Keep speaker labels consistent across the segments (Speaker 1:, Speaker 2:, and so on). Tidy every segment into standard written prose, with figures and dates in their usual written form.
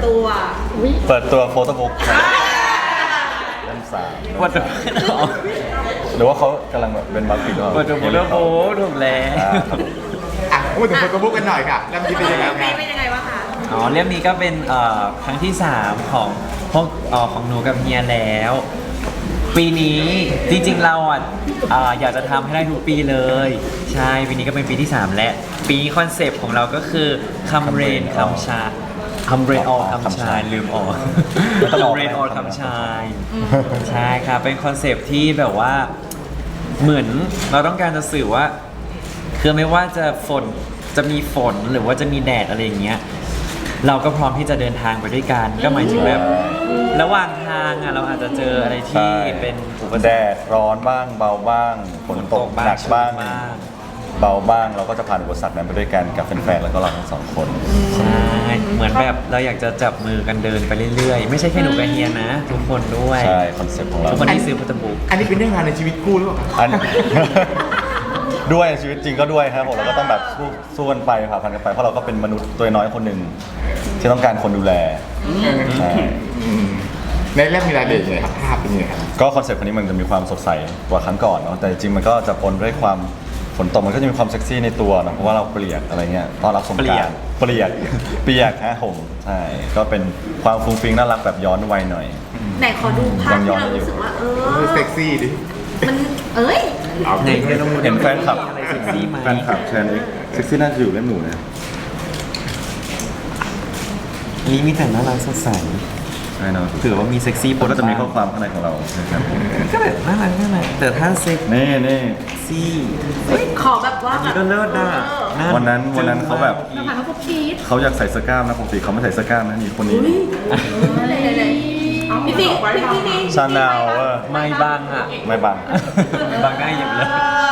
Speaker 1: ตัวโฟโต้บุ๊กเล่ม3
Speaker 2: เปิดตัว
Speaker 1: หรือว่าเขากำลังแบบเป็นบัคปิด
Speaker 2: เปิดตัวโฟโต้บุ๊กถูกแล้ว
Speaker 3: พูดถึงโฟโต้บุ๊กกันหน่อยค่ะเริ่มคิดเป็นยังไงครับ
Speaker 4: เป็นยังไงวะคะ
Speaker 2: อ๋อเล่มนี้ก็เป็นครั้งที่ 3 ของพวกของหนูกับเฮียแล้ว ปีนี้จริงๆเราอยากจะทำให้ได้ทุกปีเลย ใช่ปีนี้ก็เป็นปีที่ 3 และปีคอนเซปต์ของเราก็คือคำเรนคำชาคำเรนออคำชายลืมออกคำเรนออคำชายใช่ครับเป็นคอนเซปต์ที่แบบว่าเหมือนเราต้องการจะสื่อว่าคือไม่ว่าจะมีฝนหรือว่าจะมีแดดอะไรอย่างเงี้ยเราก็พร้อมที่จะเดินทางไปด้วยกันก็หมายถึงแบบระหว่างทางเราอาจจะเจออะไรที่เป็นอุปสรรค
Speaker 1: แดดร้อนบ้างเบาบ้างฝนตกหนักบ้างเบาบ้างเราก็จะผ่านอุปสรรคนั้นไปด้วยกันกับแฟนๆแล้วก็เราทั้ง2 คน
Speaker 2: ใช่เหมือนแบบเราอยากจะจับมือกันเดินไปเรื่อยๆไม่ใช่แค่หนูกับเฮียนะทุกคนด้วย
Speaker 1: ใช่คอนเซ็ปต์ของเรา
Speaker 2: ทุกคนที่ซื้อพัตบุ๊ก
Speaker 3: อันนี้เป็นเรื่องราวในชีวิตคู่หรือเปล่า
Speaker 1: อัน ด้วยชีวิตจริงก็ด้วยครับผมเราก็ต้องแบบสู้กันไปผ่าพันกันไปเพราะเราก็เป็นมนุษย์ตัวน้อยคนหนึ่งที่ต้องการคนดูแลใช่
Speaker 3: ในเรื่องมีรายละเอียดยังไงครับภาพเป็นยังไงครับ
Speaker 1: ก็คอนเซ็ปต์คนนี้มันจะมีความสดใสกว่าครั้งก่อนเนาะแต่จริงๆมันก็จะปนด้วยความฝนตกมันก็จะมีความเซ็กซี่ในตัวนะเพราะว่าเราเปียกอะไรเงี้ยต้อนรับสงกรานต์เปียกฮะผมใช่ก็เป็นความฟุ้งฟิ้งน่ารักแบบย้อนวัยหน่อย
Speaker 4: ไหนขอดูภาพที่เรารู้สึกว่า
Speaker 3: เซ็กซี่ดิ
Speaker 4: มันเอ้ย
Speaker 2: ไหนเฮียลองดู
Speaker 1: เห็นแฟนคลับ
Speaker 2: อะไรเซ็กซี่ไหม
Speaker 1: แฟนคลับแชร์นี้เซ็กซี่น่าจะอยู่เล่มหนูนะ
Speaker 2: นี่มีแต่น่ารักสดใส
Speaker 1: ใช่เนาะ
Speaker 2: ถือว่ามีเซ็กซี่
Speaker 1: ก็จะมีข้อความข้างในของเรานะครับ
Speaker 2: ก็แบบน่ารักแต่ถ้าเซ็ก
Speaker 1: นี่
Speaker 2: ซี่
Speaker 4: ขอแบบว่า
Speaker 2: อันนี้ก็เลิศนะา
Speaker 1: วันนั้นเขาแบบ
Speaker 4: น้ำมันเขาชีส
Speaker 1: เขาอยากใส่เสื้อกล้ามนะปกติเขาไม่ใส่เสื้อกล้ามนะนี่คนนี้
Speaker 4: พี่พี่
Speaker 1: ชาแนล
Speaker 2: ไม่บังอ่ะ
Speaker 1: ไม่บัง
Speaker 2: บังได้อย่างเลย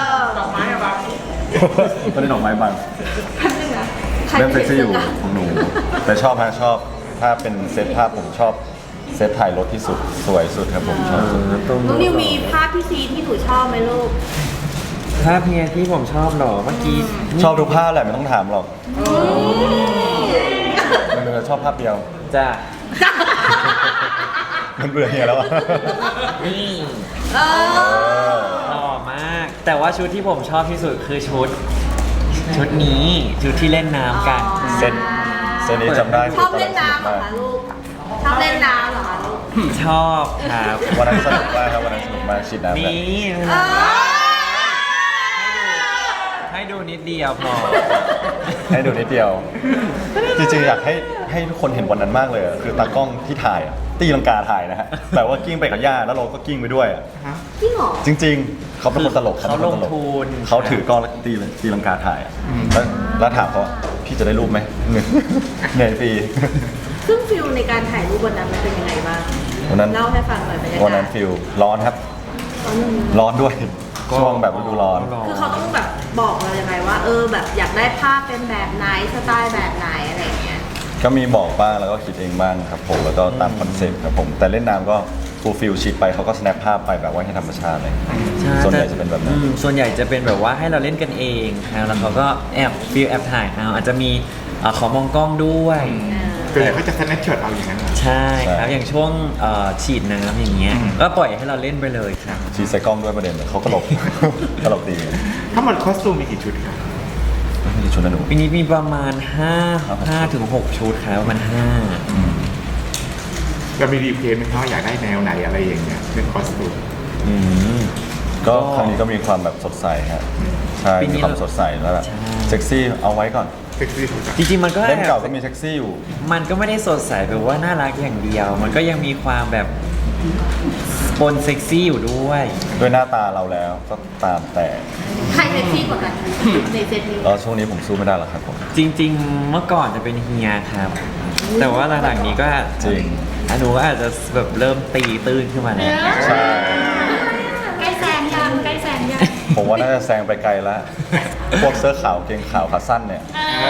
Speaker 1: ก็ได้ดอกไม้บังเล่มเซ็กซี่อยู่ของหนู แต่ชอบถ้าเป็นเซตภาพผมชอบเซตถ่ายรถที่สุดสวยสุดครับผมชอบสุด
Speaker 4: น้องนิวมีภาพพี่ซีที่หนูชอบไหมลูก
Speaker 2: ถ้าเพียที่ผมชอบหรอเมื่อกี้
Speaker 1: ชอบทุกภาพแหละไม่ต้องถามหรอกมันชอบภาพเดียว
Speaker 2: จ้ะ
Speaker 1: มันเบื่อเฮียแล้วอะ
Speaker 2: นี่
Speaker 4: เออ
Speaker 2: หล่อมาก แต่ว่าชุดที่ผมชอบที่สุดคือชุดนี้ชุดที่เล่นน้ำกัน
Speaker 1: เซนนี้จำได้
Speaker 4: ชอบเล่นน้ำเหรอคะลูก ชอบเล่นน้ำเหรอคะลูก
Speaker 2: ชอบครับ
Speaker 1: วันนั้นสนุกมากครับวันนั้นสนุกมากชิดน้ำแบบ
Speaker 2: นี่
Speaker 4: เออ
Speaker 2: ให้ดูนิดเดียวพอ
Speaker 1: ให้ดูนิดเดียว จริงๆอยากให้ทุกคนเห็นวันนั้นมากเลยอะคือตากล้องที่ถ่ายอะตีลังกาถ่ายนะฮะแบบว่ากิ้งไปกับย่าแล้วเราก็กิ้งไปด้วยอะ
Speaker 4: จริงเหรอ
Speaker 1: จริงๆเขาเป็นคนตลก
Speaker 2: เขาลงทุน
Speaker 1: เขาถือกล้องแล้วตีลังกาถ่ายอะแล้วถามเขาว่าพี่จะได้รูปไหมเหนื่อยฟรี
Speaker 4: ซึ่งฟิลในการถ่ายรูปวันนั้นมันเป็นยังไงบ้าง
Speaker 1: วันนั้น
Speaker 4: เล่าให้ฟังหน่อยบรรยากาศ
Speaker 1: วันนั้นฟิลร้อนครับ ร้อนด้วย ช่วงแบบฤดูร้อน
Speaker 4: คือเขาต้องแบบบอกเรายังไงว่าแบบอยากได้ภาพเป็นแบบไหนสไตล์แบบไหนอะไรอย่างเงี้ย
Speaker 1: ก็มีบอกบ้างแล้วก็คิดเองบ้างครับผมแล้วก็ตามคอนเซ็ปต์ครับผมแต่เล่นน้ำก็ฟูลฟิลชิดไปเขาก็สแนปภาพไปแบบว่าให้ธรรมชาติเลย
Speaker 2: ช่
Speaker 1: ส่วนใหญ่จะเป็นแบบนั้น
Speaker 2: ส่วนใหญ่จะเป็นแบบว่าให้เราเล่นกันเองครับแล้วเขาก็แอบถ่ายเอาอาจจะมีขอมองกล้องด้วย
Speaker 3: ส่วนใหญ่เขาจะสแนปช็อตเอาอย่างนั้นเหรอ
Speaker 2: ใช่ครับอย่างช่วงฉีดน้ำอย่างเงี้ยก็ปล่อยให้เราเล่นไปเลยครับ
Speaker 1: ชีใส่กล้องด้วยประเด็นเขาก็หลบ ตลกดี
Speaker 3: ถ้ามันคอสตูมมีกี่ชุดครับ
Speaker 1: มีชุดนั้นหนู
Speaker 2: ปีนี้มีประมาณ5ถึง6ชุดครับประมาณ5
Speaker 3: เรามีรีเพลย์ไหมครับว่าอยากได้แนวไหนอะไรอย่างเงี้ยเรื่องคอสตูม
Speaker 1: ก็ครั้งนี้ก็มีความแบบสดใสฮะใช่
Speaker 2: ปีนี้
Speaker 1: มีความสดใสแล้วแบบ
Speaker 2: ใช่
Speaker 1: เซ็กซี่เอาไว้ก่อน
Speaker 3: เซ็กซี่สุดอะ
Speaker 2: จริงๆมันก็
Speaker 1: เล่มเก่าก็มีเซ็กซี่อยู่
Speaker 2: มันก็ไม่ได้สดใสแบบว่าน่ารักอย่างเดียว มันก็ยังมีความแบบปนเซ็กซี่อยู่ด้วย
Speaker 1: ด้วยหน้าตาเราแล้วก็ตามแต่
Speaker 4: ใครเซ็กซี่กว่ากันในเซตนี้
Speaker 1: แล้วช่วงนี้ผมสู้ไม่ได้หรอกครับผม
Speaker 2: จริงๆ เมื่อก่อนจะเป็นเฮียครับ แต่ว่าหลังๆนี้ก็
Speaker 1: จริง
Speaker 2: หนูก็อาจจะแบบเริ่มตีตื้นขึ้นมาแล้ว
Speaker 1: ใช่
Speaker 4: ใกล้แซงยังใกล้แซงยัง
Speaker 1: ผมว่าน่าจะแซงไปไกลแล้ว พวกเสื้อขาวเกงขาวขาสั้นเนี่ย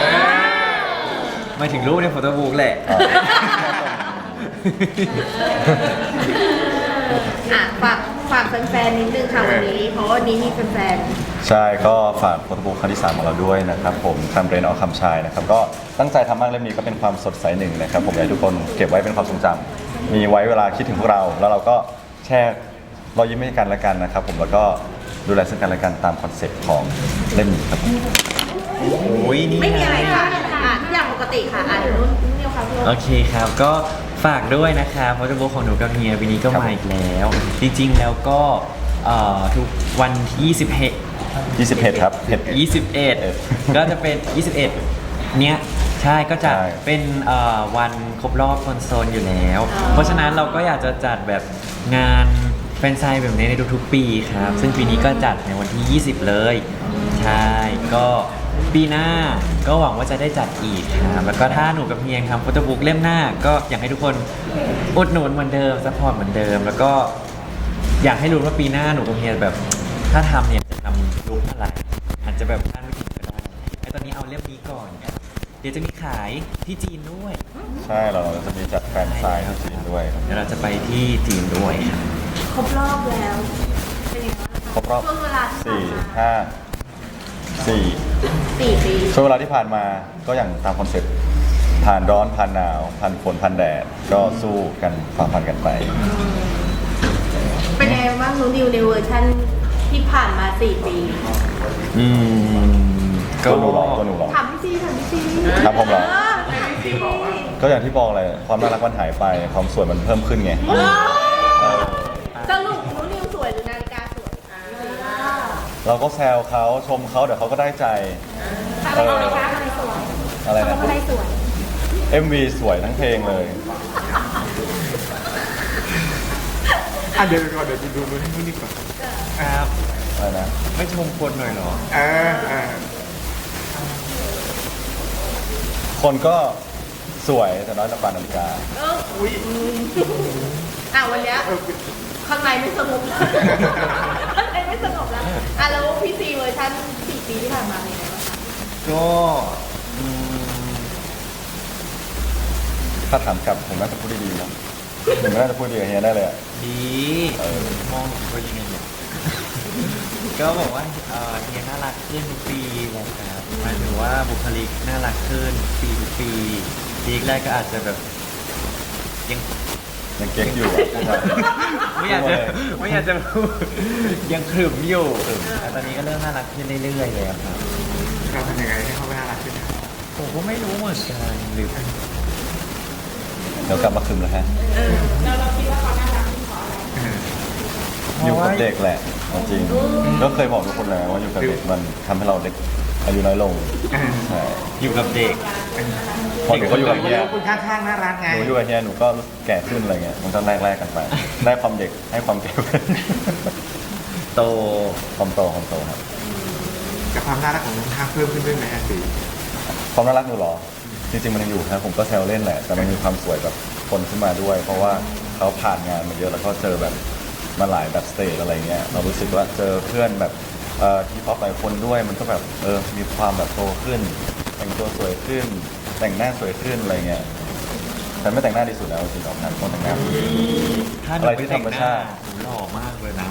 Speaker 2: มาถึงรูปในโฟโต้บุ๊กแหละ
Speaker 1: อ่า
Speaker 4: ฝากฝากแฟนๆนิดนึงค่ะวันนี้ เพราะว่าวันนี้มีแฟน
Speaker 1: ใช่ก็ฝากโฟโต้บุ๊กครั้งที่ 3ของเราด้วยนะครับผมคำเรนออคำชายนะครับก็ตั้งใจทำมากเล่มนี้ก็เป็นความสดใสหนึ่งนะครับผมอยากให้ทุกคนเก็บไว้เป็นความทรงจำมีไว้เวลาคิดถึงพวกเรา แล้วเราก็แชร์รอยยิ้มให้กันและกันนะครับผมแล้วก็ดูแลซึ่งกันและกันตามคอนเซ็ปต์ของเล่มนี้ครับผม
Speaker 2: โอ้ยนี่
Speaker 4: ๆไม่มีอะไรค่ะทุกอย่างปกติค่ะเดี๋ยวนุ่นเดียวค่ะพี่
Speaker 2: โอเคครับก็ฝากด้วยนะครับโฟโต้บุ๊กของหนูกับเฮียปีนี้ก็มาอีกแล้ว จริงๆแล้วก็ทุกวันที่
Speaker 1: 20เห็ดครับเห็ด
Speaker 2: 21 ก็จะเป็น 21 เนี้ยใช่ก็จะ
Speaker 1: ใช่
Speaker 2: เป็นวันครบรอบคอนโซลอยู่แล้ว เพราะฉะนั้นเราก็อยากจะจัดแบบงานแฟนไซน์แบบนี้ในทุกๆปีครับ ซึ่งปีนี้ก็จัดในวันที่ 20 เลย ใช่ ก็ปีหน้าก็หวังว่าจะได้จัดอีกครับ แล้วก็ถ้าหนูกับเฮียทำโฟโต้บุ๊กเล่มหน้า ก็อยากให้ทุกคนอุดหนุนเหมือนเดิมซัพพอร์ตเหมือนเดิม แล้วก็อยากให้รู้ว่าปีหน้าหนูกับเฮียแบบ ถ้าทำเนี่ยจะทำลุคอะไรอาจจะแบบคาดไม่ถึงก็ได้ไอ้ตอนนี้เอาเล่มนี้ก่อน เดี๋ยวจะมีขายที่จีนด้วย
Speaker 1: ใช่เราจะมีจัดแฟนไซน์ที่จีนด้วยครับ
Speaker 2: เดี๋ยวเราจะไปที่จีนด้วยครับ
Speaker 4: ครบรอบแล้วเป็นยังไงบ้างะ
Speaker 1: ครบรอบ
Speaker 4: ช่วงเวลาที่ผ่านมา
Speaker 1: 4
Speaker 4: 4 ปี
Speaker 1: ช่วงเวลาที่ผ่านมาก็อย่างตามคอนเซ็ปต์ผ่านร้อนผ่านหนาวผ่านฝนผ่านแดดก็สู้กันฝ่าฟันกันไป
Speaker 4: เป็นยังไงบ้างนูนิวในเวอร์ชันที่ผ่านมา 4 ปี
Speaker 2: ก็
Speaker 1: ตัวหนูหรอตัวหนูหรอ
Speaker 4: ถามพี่ซีถามพี่ซี
Speaker 1: ครับผมเหรอ
Speaker 4: ถามพี่ซี
Speaker 1: ก็อย่างที่บอกเลยความน่ารักมันหายไปความสวยมันเพิ่มขึ้นไง
Speaker 4: สรุปนูนิวสวยหรือนาฬิกาสวย
Speaker 1: เราก็แซวเขาชมเขาเดี๋ยวเขาก็ได้ใจ
Speaker 4: อะไรนะคะอะไรสวย
Speaker 1: อะไรนะ
Speaker 4: อะไรสวย
Speaker 1: MV สวยทั้งเพลงเลย
Speaker 3: เดี๋ยวก่อนเดี๋ยวดูให้นู่นนี่ก่อน
Speaker 2: ครับ
Speaker 1: อะไรนะ
Speaker 2: ไม่ชมคนหน่อยเหรอ
Speaker 3: เออ
Speaker 1: คนก็สวยแต่น้อยกว่าปานนาฬิกา
Speaker 3: อุ้ย
Speaker 4: วันเนี้ยข้างในไม่สงบแล้วข้างในไม่สงบแล้วแล้วพี่ซีเวอร์ชัน4 ปีที่ผ่านมาเป็นยังไงบ้างคะ
Speaker 2: ก็อืม
Speaker 1: ถ้าถามกลับผมน่าจะพูดได้ดีนะผมน่าจะพูดดีกับเฮียได้เลยอะ
Speaker 2: ดี มองผมก็ยังไงเนี่ย ก็บอกว่าเฮียน่ารักขึ้นทุกปีแหละครับหมายถึงว่าบุคลิกน่ารักขึ้นปีทุกปีปีแรกก็อาจจะแบบยัง
Speaker 1: ยังเก๊กอยู่อะพูดมา
Speaker 2: ไม่อยากจะไม่อยากจะพูดยังขรึมอยู่แต่ตอนนี้ก็เริ่มน่ารักขึ้นเรื่อยๆแล้วครับ
Speaker 3: เราทำยังไงให้เขาไม่น่ารักขึ้นนะ
Speaker 2: ผมก็ไม่รู้เหมือนกันหรือ
Speaker 1: เดี๋ยวกลับมาคืนแล้วฮะ
Speaker 4: เราคิดว่าเขาน่ารักขึ้นเพราะอะไร
Speaker 1: อยู่กับเด็กแหละเอาจริงก็เคยบอกทุกคนแล้วว่าอยู่กับเด็กมันทำให้เราเด็กอายุน้อยลงใช่
Speaker 2: อยู่กับเด็ก
Speaker 1: พอเด็กเขาอยู่กับเฮีย
Speaker 3: คุณข้างๆน่ารักไง
Speaker 1: หนูอยู่กับเฮียหนูก็รู้สึกแก่ขึ้นอะไรเงี้ยมันก็แลกกันไป ได้ความเด็กให้ความแก่
Speaker 2: โต
Speaker 1: ความโตครับ
Speaker 3: กับความน่ารักของน้องข้างเพิ่มขึ้นด้วยไหมสิ
Speaker 1: ความน่ารักหนูเหรอจริงๆมันยังอยู่นะผมก็แซวเล่นแหละแต่มันมีความสวยแบบคนขึ้นมาด้วย เพราะว่าเขาผ่านงานมาเยอะแล้วก็เจอแบบมาหลายแบบสเตจอะไรเงี้ยเรารู้สึกว่าเจอเพื่อนแบบที่ป๊อปหลายคนด้วยมันก็แบบมีความแบบโตขึ้น แต่งตัวสวยขึ้น แต่งหน้าสวยขึ้นอะไรเงี้ยแต่ไม่แต่งหน้าดีสุดแล้วจริงๆออกงานต้องแต่งหน้า
Speaker 2: ถ้าหนู
Speaker 1: อะไร
Speaker 2: ไป
Speaker 1: ที่
Speaker 2: แต่
Speaker 1: ธรง รม
Speaker 2: หน้า
Speaker 1: ชาติ
Speaker 2: หนูหล่อมากเลยนะ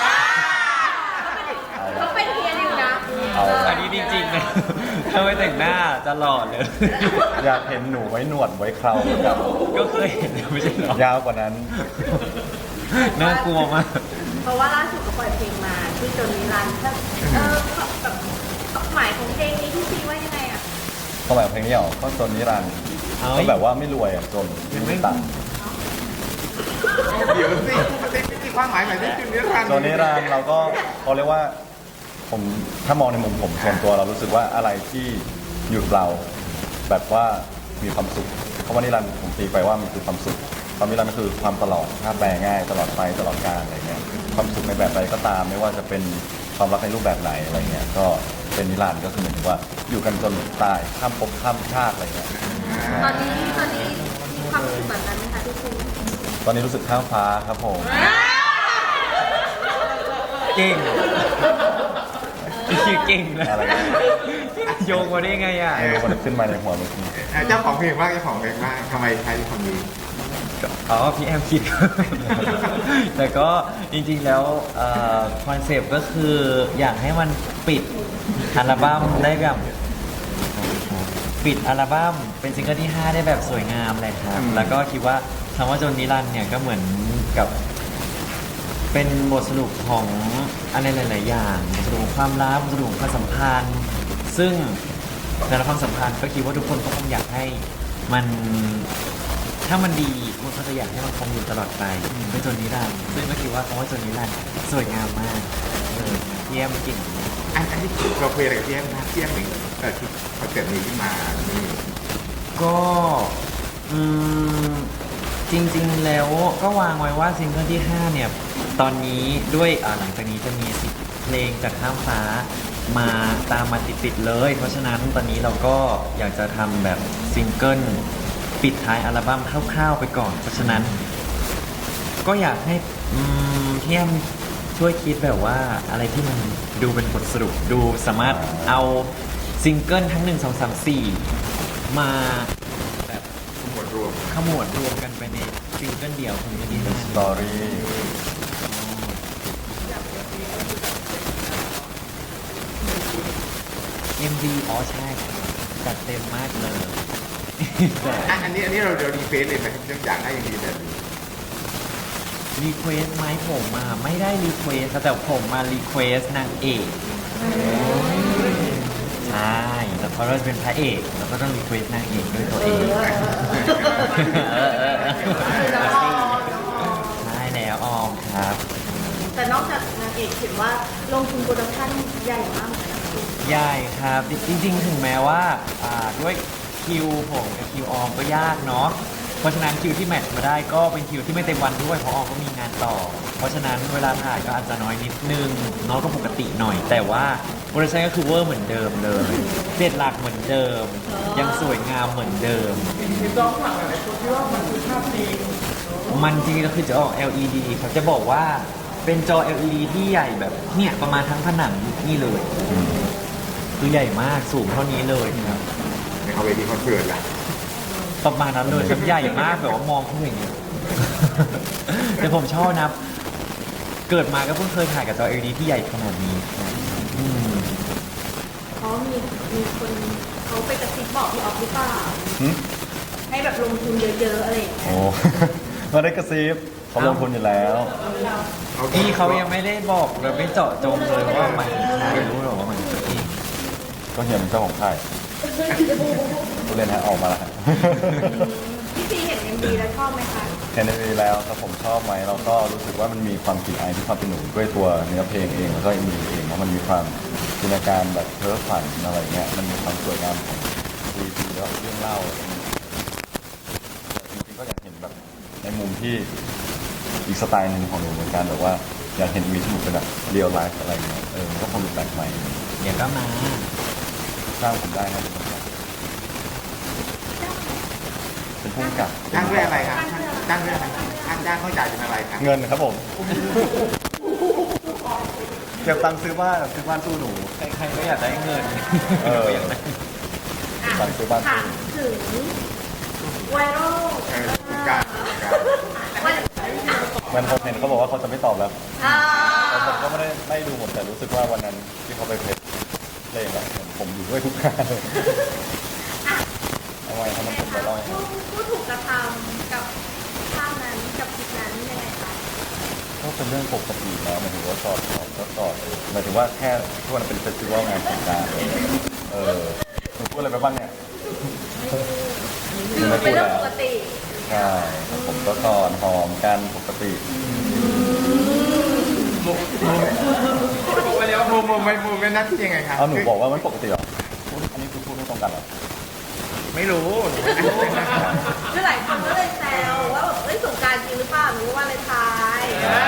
Speaker 4: เขาเป็นเฮียนิวนะ
Speaker 1: เอา
Speaker 2: อันนี้จริงๆนะถ้าไม่แต่งหน้าจะหล่อเลย
Speaker 1: อยากเห็นหนูไว้หนวดไว้เคราเหมือนกัน
Speaker 2: ก็เคยเห็นไม่ใช่เหรอย
Speaker 1: าวกว่านั้น
Speaker 2: น่ากลัวมาก
Speaker 4: เพราะว่าล่าสุดก็ปล่อยเพลงมาที่จนนิรันดร์แบบหมายของเพลงนี้พี่ซีว่ายังไงอะ
Speaker 1: ความหมายของเพลงนี้เหรอก็จนนิรันดร์
Speaker 2: เอ้ย
Speaker 1: ก็แบบว่าไม่รวยอ่ะจนไม่ตังค์
Speaker 3: เดี๋ยวสิมันเป็นที่ความหมายใหม่ที่จุดนี้รัน
Speaker 1: จนนิรันดร์เราก็เขาเรียกว่าผมถ้ามองในมุมผมส่วนตัวเรารู้สึกว่าอะไรที่อยู่กับเราแบบว่ามีความสุขคำว่านิรันดร์ผมตีไปว่ามันคือความสุขความนิรันดร์ก็คือความตลอดถ้าแปลง่ายตลอดไปตลอดกาลอะไรเงี้ยความสุขในแบบใดก็ตามไม่ว่าจะเป็นความรักในรูปแบบไหนอะไรเงี้ยก็เป็นนิรันดร์ก็คือหมายถึงว่าอยู่กันจนตายข้ามภพข้ามชาติอะไรเงี้ย
Speaker 4: ตอนนี้มีความรู้สึกแบบนั้นไหมคะพี่ซี
Speaker 1: ตอนนี้รู้สึกข้ามฟ้าครับผม
Speaker 2: เก่งชื่อเก่งนะ
Speaker 1: อะไรนะ
Speaker 2: โยงมาได้ไงอ่ะ
Speaker 1: มันขึ้นมาในหัวเมื่อกี้
Speaker 3: เจ้าของเพลงบ้างเจ้าของเพลงบ้างทำไมใช้คำนี้
Speaker 2: พี่แอมคิด แต่ก็จริงๆแล้วคอนเซปต์ก็คืออยากให้มันปิดอัลบั้มได้แบบปิดอัลบั้มเป็นซิงเกิลที่ 5 ได้แบบสวยงามเลยครับ แล้วก็คิดว่าคำว่าจนนิรันดร์เนี่ยก็เหมือนกับเป็นบทสรุปของอะไรหลาย ๆ อย่างบทสรุปของความรักบทสรุปของความสัมพันธ์ ซึ่งแต่ละความสัมพันธ์ก็คิดว่าทุกคนก็คงอยากให้มันถ้ามันดีมันก็จะอยากให้มันคงอยู่ตลอดไปไม่จนนิรันดร์ซึ่งก็คิดว่าคำว่าจนนิรันดร์สวยงามมากเยี่ยมจริง
Speaker 3: อันนี้เราคุยอะไรกับพี่แอมนะพี่แอมถึงที่คอนเสิร์ตนี้ขึ้นมานี่
Speaker 2: ก็จริงๆแล้วก็วางไว้ว่าซิงเกิลที่ 5 เนี่ย ตอนนี้ด้วยหลังจากนี้จะมี10 เพลงจากข้ามฟ้ามาตามมาติดๆเลย เพราะฉะนั้นตอนนี้เราก็อยากจะทำแบบซิงเกิลปิดท้ายอัลบั้มคร่าวๆไปก่อน เพราะฉะนั้นก็อยากให้พี่แอมช่วยคิดแบบว่าอะไรที่มันดูเป็นบทสรุปดูสามารถเอาซิงเกิลทั้ง 1 2 3 4 มาแบบ
Speaker 3: ทั้งหมดรวม
Speaker 2: ขมวดรวมกันไปในซิงเกิลเดียวของนี้
Speaker 1: เป็นสตอรี่
Speaker 2: MV อ๋อใช่จัดเต็มมากเลย แต่
Speaker 3: อันนี้เรารีเฟซเลยไหมครับยังอยากได้อย่างนี้แบบนี้
Speaker 2: รีเควสไหมผมไม่ได้รีเควสแต่ผมมารีเควสนางเอกใช่แล้วเพราะเราเป็นพระเอกเราก็ต้องรีเควสนางเอกด้วยตัวเองใช่แล้วออมครับ
Speaker 4: แต่นอกจากนางเอกเห็นว่าลงทุนโปรดักชั่นใหญ่มากเหมือนกันนะคุณ
Speaker 2: ใหญ่ครับจริงๆถึงแม้ว่าด้วยคิวผมกับคิวออมก็ยากเนาะเพราะฉะนั้นคิวที่แมทช์มาได้ก็เป็นคิวที่ไม่เต็มวันด้วยเพราะออมก็มีงานต่อ เพราะฉะนั้นเวลาถ่ายก็อาจจะน้อยนิดนึงน้อยก็ปกติหน่อย แต่ว่าโปรดักชั่นก็คือเวอร์เหมือนเดิมเลยเสร็จหลักเหมือนเดิม ยังสวยงามเหมือนเดิมมันจริงๆก็คือจะออก LED ครับจะบอกว่าเป็นจอ LED ที่ใหญ่แบบเนี่ยประมาณทั้งผนังนี่เลยคือใหญ่มากสูงเท่านี้เลยครับ
Speaker 3: ในเอาเวทีคอนเสิร์ตล่ะ
Speaker 2: ประมาณนั้นเลยครับใหญ่มากแบบว่ามองขึ้นอย่างเงี้ย แต่ผมชอบนะ เกิดมาก็เพิ่งเคยถ่ายกับจอ LED ที่ใหญ่ขนาดนี้ครับอืม
Speaker 4: เพราะมีคนเขาไปกระซิบบอกพี่ออฟหรือเปล่า
Speaker 1: หึ
Speaker 4: ให้แบบลงทุนเยอะๆอะไรอย่างเงี้ย
Speaker 1: โอ้ มาได้กระซิบเขาลงทุนอยู่แล้ว
Speaker 2: พี่เขายังไม่ได้บอกเลยไม่เจาะจงเลยว่าหมายถึงใครไม่รู้หรอกว่าหมายถึงพี่
Speaker 1: ก็เฮียเป็นเจ้าของค่ายผู้เล่นฮะออกมาแล้วฮะ
Speaker 4: พี่ซีเห็น MV แล้วชอบไหมคะ
Speaker 1: เห็นในวีแล้วครับผมชอบไหมเราก็รู้สึกว่ามันมีความกลิ่นอายที่ความเป็นหนูด้วยตัวเนื้อเพลงเองแล้วก็อินดีเองเพราะมันมีความจินตนาการแบบเพ้อฝันอะไรเงี้ยมันมีความสวยงามของดีแล้วเรื่องเล่าอะไรเงี้ยจริงๆก็อยากเห็นแบบในมุมที่อีกสไตล์หนึ่งของหนูเหมือนกันแบบว่าอยากเห็นวีที่หนูเป็นแบบเรียลไลฟ์อะไรเงี้ยมันก็คงดูแปลกใหม่
Speaker 2: เดี๋ยวก็มา
Speaker 1: สร้างผมได้นะเป็นผู้กำกับ
Speaker 3: จ้างเรื่องอะไรครับจ้างเรื่องอะไรจ้างเขาจ่ายเป็นอะไรครับ
Speaker 1: เงินครับผมเก็บตังค์ซื้อบ้านสู้หนู
Speaker 2: ใครๆก็อยากได้เงิน
Speaker 1: เออ
Speaker 2: อยากได้
Speaker 4: อ่ะ
Speaker 1: ตอนซื้อบ้าน
Speaker 4: ถามถึงไวรัล
Speaker 3: คุณการ
Speaker 4: วัน
Speaker 1: มันผมเห็นเขาบอกว่าเขาจะไม่ตอบแล้ว
Speaker 4: อ่า
Speaker 1: แต่ผมก็ไม่ดูหมดแต่รู้สึกว่าวันนั้นที่เขาไปเพจเพลงแล้วผมอยู่ด้วยทุกงานเลย
Speaker 4: อ่ะ
Speaker 1: เอาไว้ทำมันผมไปร้อย
Speaker 4: ผู้ถูกกระทำกับภาพนั้นกับคลิปนั้นยังไงคะ
Speaker 1: ก็เป็นเรื่องปกติแล้วหมายถึงว่าสอดก็สอดหมายถึงว่าแค่ทุกวันเป็นเฟสติวัลงานสงกรานต์หนูพูดอะไรไปบ้างเนี่ย
Speaker 4: คือเป็นเรื่องปกติ
Speaker 1: ใช่ผมก็กอดหอมกันปกติ
Speaker 3: โมเมนต์นั้นที่ยังไงครับ
Speaker 1: เอาหนูบอกว่ามันปกติเหรออันนี้คือพูดไม่ตรงกันเหรอ
Speaker 3: ไม่รู้
Speaker 4: คือหลายคนก็เลยแซวว่าแบบเอ้ยสงกรารจริงหรือเปล่าหรือว่าเลนไทน์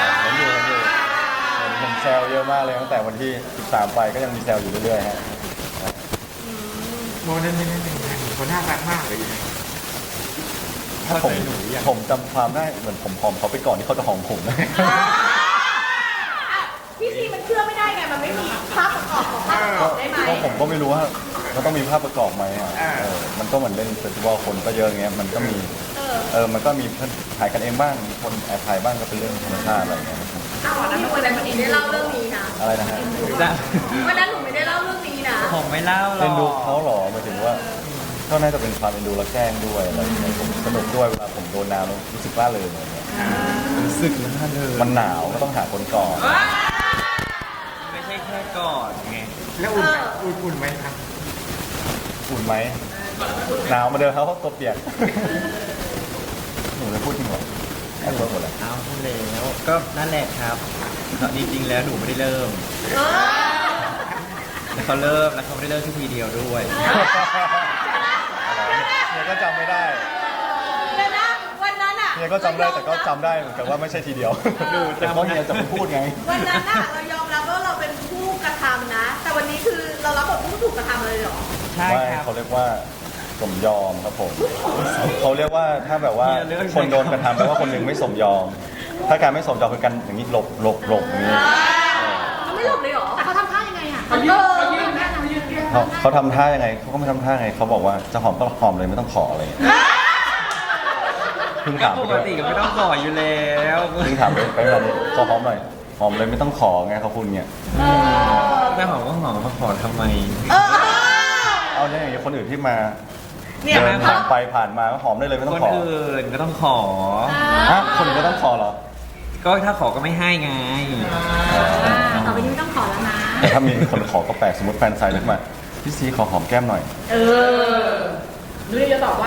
Speaker 1: ผมแซวเยอะมากเลยตั้งแต่วันที่ 13 ไปก็ยังมีแซวอยู่เรื่อยๆฮะ
Speaker 3: โมนั่นคนน่ารักมากเลย
Speaker 1: ถ้าผมจำความได้เหมือนผมหอมเขาไปก่อนที่เขาจะหอมผมนะ
Speaker 4: พี่ซีมันเชื่อไม่ได้ไงมันไม่มีภาพประกอบของภาพประกอบได้ไหม
Speaker 1: ก็ผมก็ไม่รู้ว่ามันต้องมีภาพประกอบไหมอ่ะมันก็เหมือนเล่นเฟสติวัลคนก็เยอะเงี้ยมันก็มีมันก็มีถ่ายกันเองบ้างมีคนแอบถ่ายบ้างก็เป็นเรื่องธรรมชาติอะไรอย่างเงี้ย
Speaker 4: วันนั้นวันนั้นไม่ได้เล่าเรื่องนี้นะ
Speaker 1: อะไรนะฮะ
Speaker 2: จะ
Speaker 4: วันนั้นหนูไม่ได้เล่าเรื่องนี้นะ
Speaker 2: ผมไม่เล่าหร
Speaker 1: เอ็นดู
Speaker 2: อก
Speaker 1: เขาเหรอหมายถึงว่าก็น่าจะเป็นความเอ็นดูและแกล้งด้วยอะไรอย่างเงี้ยผมสนุกด้วยเวลาผมโดนน้ำแล้วรู้สึกล่าเริงอะไรเงี้ย
Speaker 2: รู้สึกแล้วเลย
Speaker 1: มันหนาวก็ต้องหาคนก่อน
Speaker 2: ไม่ใช่แค่กอดไง
Speaker 3: แล้วอุ่นไหมอุ่นไหมครับ
Speaker 1: อุ่นไหมหนาวมาเดินเขาตัวเปียกหนูจะพูดจริงเหรอแอบพูดหมดเลย
Speaker 2: เอาพูดแล้วก็นั่นแหละครับจริงๆแล้วหนูไม่ได้เริ่มแล้วเขาเริ่มแล้วเขาไม่ได้เริ่มที่ทีเดียวด้วย
Speaker 1: เนี่ยก็จำไม่ได้
Speaker 4: เดี๋ยวนะวันนั้นอ่ะ
Speaker 1: เนี่ยก็จำได้แต่ก็จำได้เหมือนกันว่าไม่ใช่ทีเดียวแต่เพราะเนี่ยจะพูดไง
Speaker 4: วันนั้นอ่ะเรายอมรับว่าเราเป็นผู้กระทำนะ แต่วันนี้คือเรารับบทผู้ถูกกระทำเลยเหรอ
Speaker 2: ใช่
Speaker 1: ไม่
Speaker 2: ครับ
Speaker 1: เขาเรียกว่าสมยอมครับผมเขาเรียกว่าถ้าแบบว่าคนโดนกระทำแปลว่าคนหนึ่งไม่สมยอม ถ้าการไม่สมยอมคือการอย่างนี้หลบอย่างนี้
Speaker 4: เขาไม่หลบเลยเหรอ
Speaker 5: แต่เขาทำท่ายังไงอ่ะ
Speaker 4: เขายืน
Speaker 1: เขาทำท่ายังไงเขาก็ไม่ทำท่าไงเขาบอกว่าจะหอมก็หอมเลยไม่ต้องขออะไรอย่างเงี้ยเพิ่ง
Speaker 2: ก็
Speaker 1: ถาม
Speaker 2: ป
Speaker 1: ไป
Speaker 2: ก
Speaker 1: ด้วย
Speaker 2: ติก็ไม่ต้องขออยู่แล้ว
Speaker 1: เพิ่งถามไปเวลานี้ขอหอมหน่อยหอมเลยไม่ต้องขอไงเขาคุณเนี่ย
Speaker 2: ถ้าหอมก็หอมมาขอทำไม
Speaker 1: เอาเนี่ยอย่างคนอื่นที่มา
Speaker 4: เนี่ย
Speaker 1: เดินผ่านไปผ่านมาก็หอมได้เลยไม่ต้
Speaker 2: ค
Speaker 1: อน งขอ
Speaker 2: อื่นก็ต้องขอ
Speaker 1: ฮะคนอื่นก็ต้องขอเหรอ
Speaker 2: ก็ถ้าขอก็ไม่ให้ไง
Speaker 5: ต่อไปนี้ไม่ต้องขอแล้วนะ
Speaker 1: แต่ถ้ามีคนขอก็แปลกสมมติแฟนไซน์เรียกมาพี่ซีขอหอมแก้มหน่อย
Speaker 4: หรือจะตอบว่า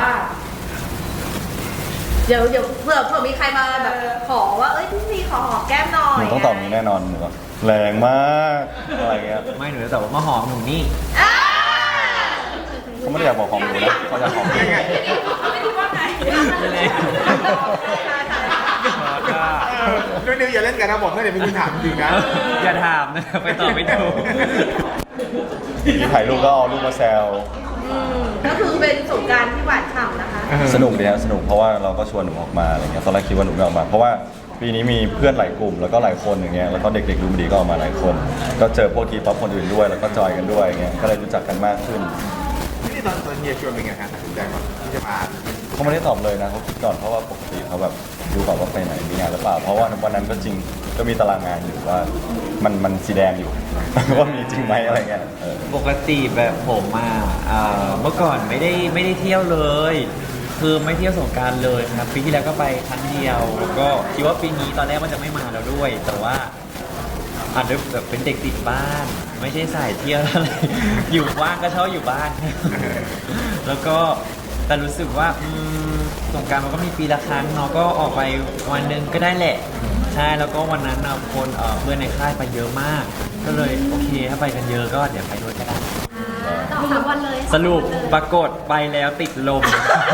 Speaker 4: เดี๋ยวเผื่อมีใครมาแบบขอว่าเอ้ยพี่ซีขอหอมแก้มหน่อ
Speaker 1: ห
Speaker 4: ย
Speaker 1: นูต้องตอบอย่างนี้แน่นอนหนูก็แรงมากอะไรเงี้ย
Speaker 2: ไม่หนูจะตอบว่ามาหอมหนูนี่
Speaker 4: อ่า
Speaker 1: เขาไม่ได้อยากบอกหอมหนูนะเขาอยากหอมหนู
Speaker 4: ไม่ได้ว่าไง
Speaker 2: ไม่เลย
Speaker 3: ด้วยนิวอย่าเล่นกันนะบอกเมื่อเดี๋ยวมีคุณถามจริงนะ
Speaker 2: อย่าถามนะไปตอบไม่ถูก
Speaker 1: มีถ่ายรูปก็เอารูปมาแซว
Speaker 4: ก็คือเป็นสงกรารที่หวานฉ่ำนะคะ
Speaker 1: สนุกดีฮะสนุกเพราะว่าเราก็ชวนหนูออกมาอะไรเงี้ยตอนแรกคิดว่าหนูไม่ออกมา เพราะว่าปีนี้มีเพื่อนหลายกลุ่มแล้วก็หลายคนอย่างเงี้ยแล้วก็เด็กๆดูมันดีก็ออกมาหลายคน ก็เจอพวกทีป๊อปคนอื่นด้วยแล้วก็จอยกันด้วยอย่างเงี้ยก็เลยรู้จักกันมากขึ้น
Speaker 3: นี่ตอนเฮียชวนเป็นไงครับตัดสินใจก่อนที่จะมา
Speaker 1: เขาไม่ได้ตอบเลยนะเขาคิดก่อนเพราะว่าปกติเขาแบบดูก่อนว่าไปไหนมีงานหรือเปล่า เพราะว่าวันนั้นก็จริงก็มีตารางงานอยู่ว่ามันสีแดงอยู่ ว่ามีจริงไหมอะไรเงี้ย
Speaker 2: ปกติแบบผมเมื่อก่อนไม่ได้เที่ยวเลย คือไม่เที่ยวสงกรารเลยครับปีที่แล้วก็ไปครั้งเดียวแล้วก็คิดว่าปีนี้ตอนแรกมันจะไม่มาแล้วด้วย แต่ว่าอาจจะแบบเป็นเด็กติดบ้าน ไม่ใช่สายเที่ยวอะไร อยู่ว่างก็ชอบอยู่บ้าน แล้วก็แต่รู้สึกว่าสงกรารมันก็มีปีละครั้งเนาะก็ออกไปวันหนึ่งก็ได้แหละใช่แล้วก็วันนั้นคนเพื่อนในค่ายไปเยอะมาก ก็เลยโอเคถ้าไปกันเยอะก็เดี๋ยวไปด้วยก็ได้
Speaker 5: ต่อ3 วันเลย
Speaker 2: สรุปปรากฏไปแล้วติดลม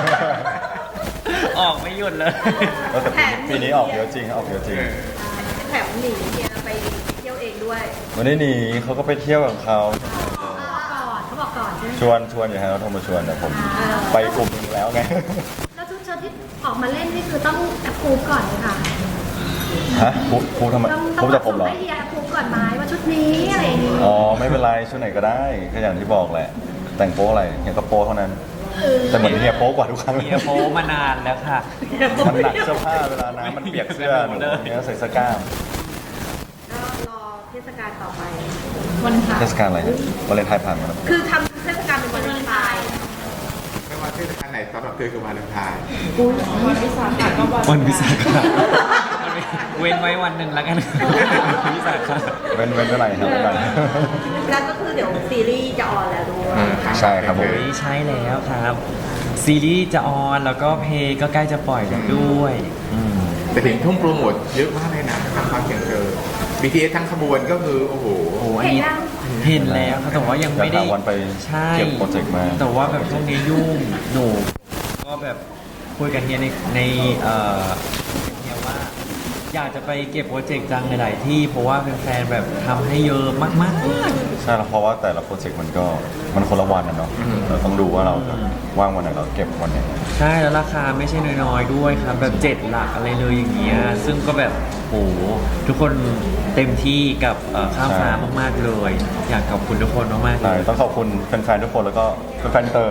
Speaker 2: ออกไม่หยุดเลย
Speaker 1: แต่ปีนี้ออกเยอะจริงออกเยอะจริง
Speaker 4: แถมหนีเนี่ยไปเที่ยวเองด้วย
Speaker 1: วันนี้หนีเขาก็ไปเที่ยวกับเขา
Speaker 5: เขาบอกก่อนใช่ไหม
Speaker 1: ชวนอยู่ฮะเขาโทรมาชวนแต่ผมไปกลุ่มหนึงแล้วไง
Speaker 5: แล้วชุดเชิ้ตที่ออกมาเล่นนี่คือต้องแอปพูฟก่อนเลยค่ะ
Speaker 1: ฮะพูดทำไม
Speaker 5: ต้อง
Speaker 1: พูดจากผมเหรอ
Speaker 5: ให้เฮียแอปพูฟก่อนไหมว่าชุดนี้อะไรอย่างนี้
Speaker 1: อ๋อไม่เป็นไรชุดไหนก็ได้ก็อย่างที่บอกแหละ แต่งโป๊อะไรเฮียก็โป๊เท่านั้น แต่เหมือนเฮียโป๊กว่าทุกครั้ง
Speaker 2: เฮียโพมานานแล้วค่ะ
Speaker 1: มันหนักเสื้อผ้าเวลาน้ำมันเปียกเสื้อหนูเฮียก็ใส่เสื้อกล้าม
Speaker 4: ก็รอเทศกาลต่อไป
Speaker 5: วันค่ะ
Speaker 1: เทศกาลอะไรนะวาเลนไทน์ผ่านมาแล้ว
Speaker 4: คือทำเทศกาลเป็นวันเลนไทน์
Speaker 3: ไม่ว่าเทศกาลไหนสำหรับเธอคือวาเลนไทน์
Speaker 2: วันวิสาขะเว้นไว้วันหนึ่งแล้วกันวิสาขะ
Speaker 1: เว้นเท่าไหร่ครับเว้นเท่าไหร่
Speaker 4: แล้วก็คือเดี๋ยวซีรีส์จะออนแล้วด้วย
Speaker 1: ใช่ครับผม
Speaker 2: โอ้ยใช่แล้วครับ ซีรีส์จะออนแล้วก็เพลงก็ใกล้จะปล่อยแล้วด้วย
Speaker 3: แต่เห็นทุ่มโปรโมทเยอะมากเลยนะทางความเสียงเธอ BTS ทั้งขบวนก็คือโอ้โห
Speaker 2: โอ้อันนี้เห็นแล้วครับแต่ว่ายังไม่ได้
Speaker 1: อยากหาวันไป
Speaker 2: ใช่
Speaker 1: เก็บโปรเจกต์มา
Speaker 2: แต่ว่าแบบช่วงนี้ยุ่งหนูก็แบบคุยกันเนี่ยในเนี่ยว่า อยากจะไปเก็บโปรเจกต์จังหลายๆที่เพราะว่าแฟนๆแบบทำให้เยอะมากๆ
Speaker 1: ใช่แล้วเพราะว่าแต่ละโปรเจกต์มันคนละวันนะเนาะเราต้องดูว่าเราจะว่างวันไหนเราเก็บวันไหน
Speaker 2: ใช่แล้วราคาไม่ใช่น้อยๆด้วยครับแบบ7 หลักอะไรเลยอย่างเงี้ยซึ่งก็แบบโหทุกคนเต็มที่กับข้ามฟ้ามากๆเลย อยากขอบคุณทุกคนมากๆเล
Speaker 1: ใช่
Speaker 2: ย
Speaker 1: ต้องขอบคุณแฟนๆทุกคนแล้วก็แฟนๆเตอร์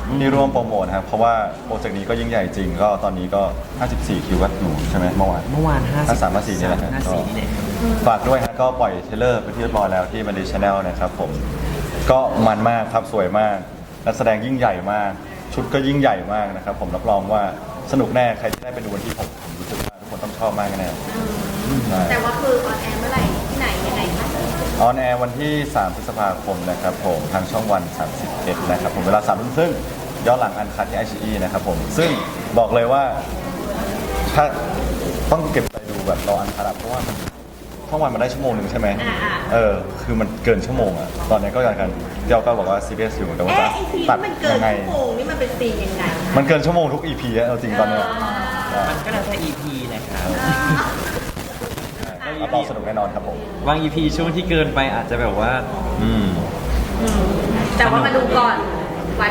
Speaker 1: ที่ร่วมโปรโมทนะครับเพราะว่าโปรเจกต์นี้ก็ยิ่งใหญ่จริงก็ตอนนี้ก็ 54 คิววัดหนูใช่ไหมเมื่อวาน
Speaker 2: เมื่อวาน
Speaker 1: 53 54นี่แหละฮะ
Speaker 2: 54นี่แหละ
Speaker 1: ฝากด้วยฮะก็ปล่อยเทรลเลอร์ไปที่เรียบร้อยแล้วที่มันดีชาแนลนะครับผมก็มันมากครับสวยมากนักแสดงยิ่งใหญ่มาก ชุดก็ยิ่งใหญ่มากนะครับผมรับรองว่าสนุกแน่ใครที่ได้ไปดูวันที่ผมรู้สึกว่าทุกคนต้องชอบมากแน่ใช่
Speaker 4: แต่ว่าคือออนแอร์เมื่อไหร่ที่ไหนยังไงคะ
Speaker 1: ออนแอร์วันที่ 3 พฤษภาคมนะครับผมทางช่องวัน 31 นะครับผมเวลา 3 ทุ่มครึ่งย้อนหลังอันคัดที่ ICE นะครับผมซึ่งบอกเลยว่าถ้าต้องเก็บไปดูแบบรออันคัดอะเพราะว่ามันช่องวันมันได้ชั่วโมงหนึ่งใช่ไหมคือมันเกินชั่วโมงอะตอนนี้ก็อย่างกันเจ้าก็บอกว่าซีเรียสอยู่แต่ว่า
Speaker 4: ไอซี
Speaker 1: ตัด
Speaker 4: ที่มันเกิน
Speaker 1: ยังไง
Speaker 4: ชั่วโมงนี่มันเป็นซีนยังไง
Speaker 1: มันเกินชั่วโมงทุก EP อะเอาจริงตอนเนี้ย
Speaker 2: มันก็แล้วแต่ EP แหละครับ
Speaker 1: รับรองสนุกแน่นอนครับผม
Speaker 2: บาง EP ช่วงที่เกินไปอาจจะแบบว่า
Speaker 4: แต่ว่ามาดูก่อนวัน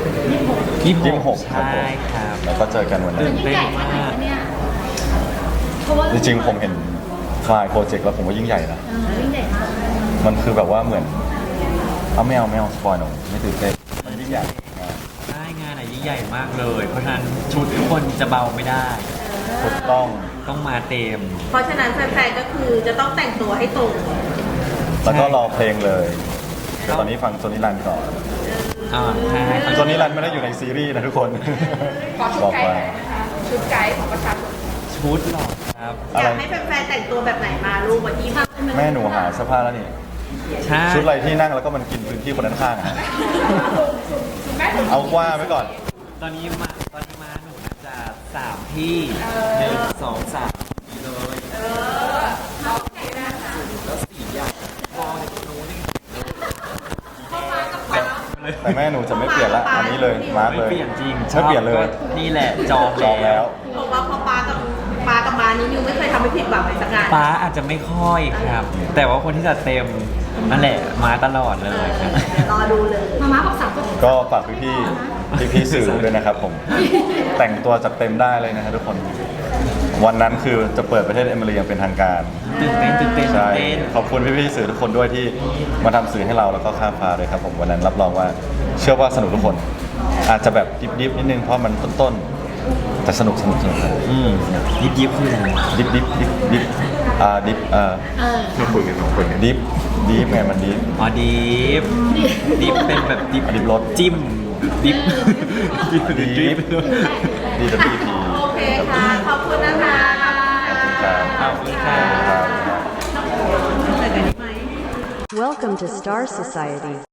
Speaker 1: 26
Speaker 2: ใช่ครับ
Speaker 1: แล้วก็เจอกันวันนั้น
Speaker 5: ยิ่งใหญ่ขนาดไหนคะเนี่ยเพราะว่า
Speaker 1: จริงๆผมเห็นไฟล์โปรเจกต์แล้วผมว่ายิ่งใหญ่นะ
Speaker 5: ยิ่งใหญ่มาก
Speaker 1: มันคือแบบว่าเหมือนเอาไม่เอาสปอยหนูไม่ตื่นเต้นมันยิ่งใหญ่นะ
Speaker 2: ใช่งานอะยิ่งใหญ่มากเลย เพราะฉะนั้นชุดทุกคนจะเบาไม่ได้
Speaker 1: ถูกต้อง
Speaker 2: ต้องมาเต็ม
Speaker 4: เพราะฉะนั้นแฟนๆก็คือจะต้องแต่งตัวให้ตรง
Speaker 1: แล้วก็รอเพลงเลยแต่ตอนนี้ฟังโซนิรันก่อน
Speaker 2: ใช่
Speaker 1: โซนิรันไม่ได้อยู่ในซีรีส์นะทุกคน
Speaker 4: ขอชุด
Speaker 1: บอก
Speaker 4: ไกด์
Speaker 1: ไว้
Speaker 4: หน่อยนะคะชุดไกด์ของประชาชน
Speaker 2: ชุดหรอครับ
Speaker 1: อะ
Speaker 4: อ
Speaker 1: ไร
Speaker 4: ยากให้แฟนๆแต่งตัวแบบไหนมาลูกวันที่มา
Speaker 1: แม่หนูหาเสื้อผ้าแล้วนี่
Speaker 2: ใช่
Speaker 1: ชุดอะไรที่นั่งแล้วก็มันกินพื้นที่คนด้านข้างอะเอาว่าไว้ก่อน
Speaker 2: ตอนนี้มาหนูน่าจะ3 ที่1 2 3นี่เลยแล้ว4อย่างมองจากโน้นนี่
Speaker 1: แต่แม่หนูจะไม่เปลี่ยนละอันนี้เลยมาร์ก
Speaker 2: ไม่
Speaker 1: เลย
Speaker 2: เปลี่ยนจริง
Speaker 1: ไม่เปลี่ยนเลย
Speaker 2: ก็นี่แหละจอง
Speaker 1: จองแล้ว
Speaker 4: เพราะว่าพอปากับมานี่นิวไม่เคยทำให้ผิดหวังในสักงาน
Speaker 2: ป้าอาจจะไม่ค่อยครับ แต่ว่าคนที่จะเต็มนั่นแหละมาตลอดเลยครับ
Speaker 4: รอดูเลย
Speaker 5: มาม่าบอกสามก็
Speaker 1: ก็ฝากพี่สื่อด้วยนะครับผม แต่งตัวจัดเต็มได้เลยนะครับทุกคน วันนั้นคือจะเปิดประเทศเอมิเรียอย่างเป็นทางการ
Speaker 2: ตื่นเต้น
Speaker 1: ใช่ ขอบคุณพี่ๆสื่อทุกคนด้วยที่มาทำสื่อให้เราแล้วก็ข้ามฟ้าเลยครับผมวันนั้นรับรองว่าเชื่อว่าสนุกทุกคน อาจจะแบบดิบๆนิดนึงเพราะมันต้นๆแต่สนุกครับ
Speaker 2: ยิบคืออะไร
Speaker 1: ดิบ
Speaker 3: มาคุยกัน2 คนกัน
Speaker 1: ดิบไงมันดิบ
Speaker 2: อ๋อดิบเป็นแบบดิบ
Speaker 1: ดิบรส
Speaker 2: จิ้มดิบดิบ
Speaker 1: ดิบ
Speaker 2: ดิบ
Speaker 1: DWP
Speaker 4: โอเคค่ะ ขอบคุณนะคะ
Speaker 1: ขอบคุณครับ
Speaker 2: ขอบคุณครับ
Speaker 1: ครับ
Speaker 6: Welcome to Star Society.